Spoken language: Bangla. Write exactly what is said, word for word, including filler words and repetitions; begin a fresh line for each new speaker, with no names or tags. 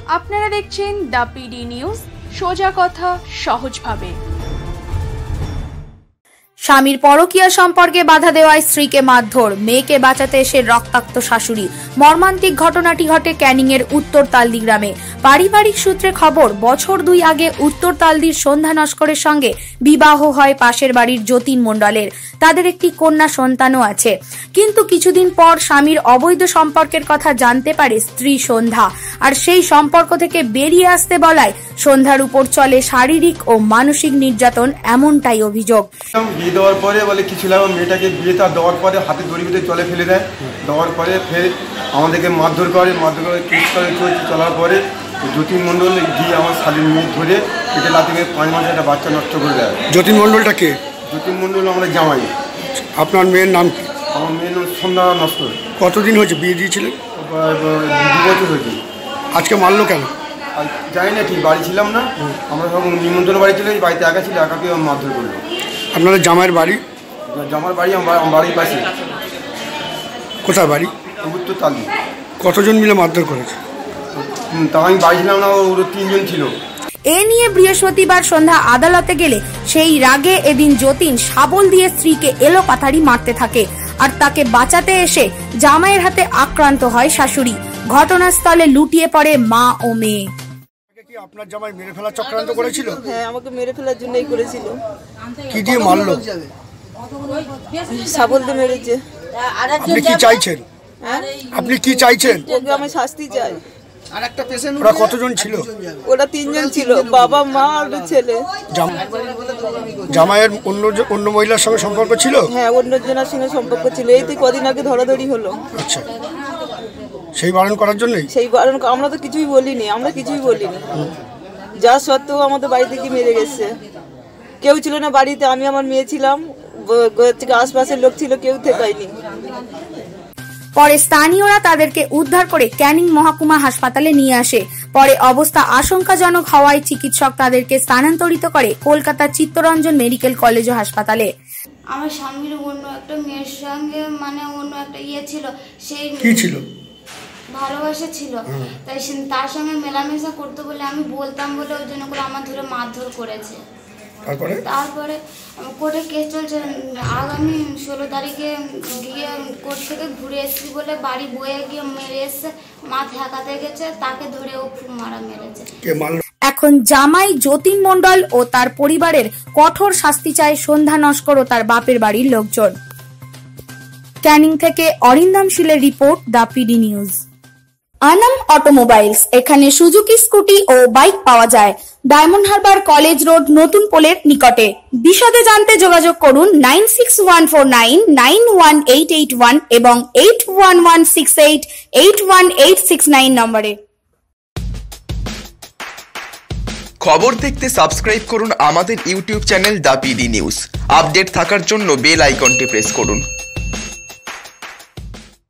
আপনারা দেখছেন দ্য পিডি নিউজ, সোজা কথা সহজভাবে।
স্বামীর পরকীয়া সম্পর্কে বাধা দেওয়ায় স্ত্রীকে মারধর, মেয়েকে বাঁচাতে এসে রক্তাক্ত শাশুড়ি। মর্মান্তিক ঘটনাটি ঘটে ক্যানিং এর উত্তর তালদি গ্রামে। পারিবারিক সূত্রে খবর, বছর দুই আগে উত্তর তালদির সন্ধ্যা নস্করের সঙ্গে বিবাহ হয় পাশের বাড়ির যতীন মণ্ডলের। তাদের একটি কন্যা সন্তানও আছে। কিন্তু কিছুদিন পর স্বামীর অবৈধ সম্পর্কের কথা জানতে পারে স্ত্রী সন্ধ্যা, আর সেই সম্পর্ক থেকে বেরিয়ে আসতে বলায় সন্ধ্যার উপর চলে শারীরিক ও মানসিক নির্যাতন, এমনটাই অভিযোগ।
বিয়ে দেওয়ার পরে বলে কিছু লাগবে, মেয়েটাকে বিয়েটা দেওয়ার পরে হাতে দড়ি বেঁধে জলে ফেলে দেয়। দেওয়ার পরে ফের আমাদেরকে মারধর করে, মারধর করে কেস করে চলছে। চলার পরে যতীন মণ্ডল গিয়ে আমার শালীর মুখ ধরে পেটে লাথি মেরে পাঁচ মাসে একটা বাচ্চা নষ্ট করে দেয়।
যতীন মণ্ডলটা কে?
যতীন মণ্ডল আমরা জামাই।
আপনার মেয়ের নাম কি?
আমার মেয়ের নাম সন্ধ্যা নস্কর।
কতদিন হয়েছে বিয়ে দিয়েছিলেন?
দু বছর হয়েছে।
আজকে মারলো কেন?
জানি না, ঠিক বাড়ি ছিলাম না, আমরা সব নিমন্ত্রণ বাড়ি ছিল, এই বাড়িতে একা ছিল, একাকে মারধর করলো।
আপনাদের জামাইয়ের বাড়ি?
জামার বাড়ি আমার বাড়ির পাশে।
কোথায় বাড়ি?
উত্তর তালদি।
কতজন মিলে মারধর করেছে?
তা আমি বাড়ি ছিলাম না, ওর তিনজন ছিল।
এ নিয়ে বৃহস্পতিবার সন্ধ্যা আদালতে গেলে সেই রাগে এদিন যতীন শাবল দিয়ে স্ত্রীকে এলোপাথারি মারতে থাকে, আর তাকে বাঁচাতে এসে জামাইয়ের হাতে আক্রান্ত হয় শাশুড়ি। ঘটনাস্থলে লুটিয়ে পড়ে মা ও মেয়ে।
আপনার জামাই মেরে ফেলার চক্রান্ত করেছিল?
হ্যাঁ, আমাকে মেরে ফেলার জন্যই করেছিল।
কি দিয়ে মারলো?
শাবল দিয়ে মেরেছে।
আপনি কি চাইছেন? আপনি কি চাইছেন?
ওকে আমি শাস্তি চাই।
ওরা কতজন ছিল?
ওরা তিনজন ছিল, বাবা মা আর ছেলে।
জামাইয়ের অন্য অন্য মহিলার সঙ্গে সম্পর্ক ছিল?
হ্যাঁ, অন্য জনের সঙ্গে সম্পর্ক ছিল। এই তো কদিন আগে ধরাধরি হলো।
আচ্ছা, সেই বারণ করার জন্যই?
সেই বারণ, আমরা তো কিছুই বলিনি, আমরা কিছুই বলিনি। যা সত্ত্বেও আমাদের বাড়ি থেকে মেরে গেছে। কেউ ছিল না বাড়িতে, আমি আমার মেয়ে ছিলাম, থেকে আশপাশের লোক ছিল, কেউ থেকায়নি।
পরে স্থানীয়রা তাদেরকে উদ্ধার করে ক্যানিং মহকুমা হাসপাতালে নিয়ে আসে। পরে অবস্থা আশঙ্কাজনক হওয়ায় চিকিৎসক তাদেরকে স্থানান্তরিত করে কলকাতা চিত্তরঞ্জন মেডিকেল কলেজ ও হাসপাতালে।
আমার স্বামীর অন্য একটা মেয়ের সঙ্গে মানে অন্য একটা ইয়ে ছিল, সেই
কি ছিল?
ভালোবাসা ছিল, তাই তার সঙ্গে মেলামেশা করতে বলে আমি বলতাম বলে ওই জন্য করে আমার ধরে মারধর করেছে।
তারপরে
তারপরে কোর্টে কেস চলছে, আগামী ষোলো তারিখে গিয়ে কোর্ট থেকে ঘুরে এসেছি বলে বাড়ি বয়ে গিয়ে মেরে এসছে, মা ঠেকাতে গেছে, তাকে ধরে ও খুব মারা মেরেছে।
এখন জামাই যতীন মণ্ডল ও তার পরিবারের কঠোর শাস্তি চায় সন্ধ্যা নস্কর ও তার বাপের বাড়ির লোকজন। ক্যানিং থেকে অরিন্দম শীলের report, the PD news. Anam automobiles, এখানে সুজুকি স্কুটি ও বাইক পাওয়া যায়। ডায়মন্ড হারবার কলেজ রোড, নতুন পোলের নিকটে। বিশদে জানতে যোগাযোগ করুন nine six one four nine nine one eight eight one এবং eight one one six eight eight one eight six nine নম্বরে।
খবর দেখতে সাবস্ক্রাইব করুন আমাদের YouTube channel the PD news. Update থাকার জন্য বেল আইকনটি প্রেস করুন।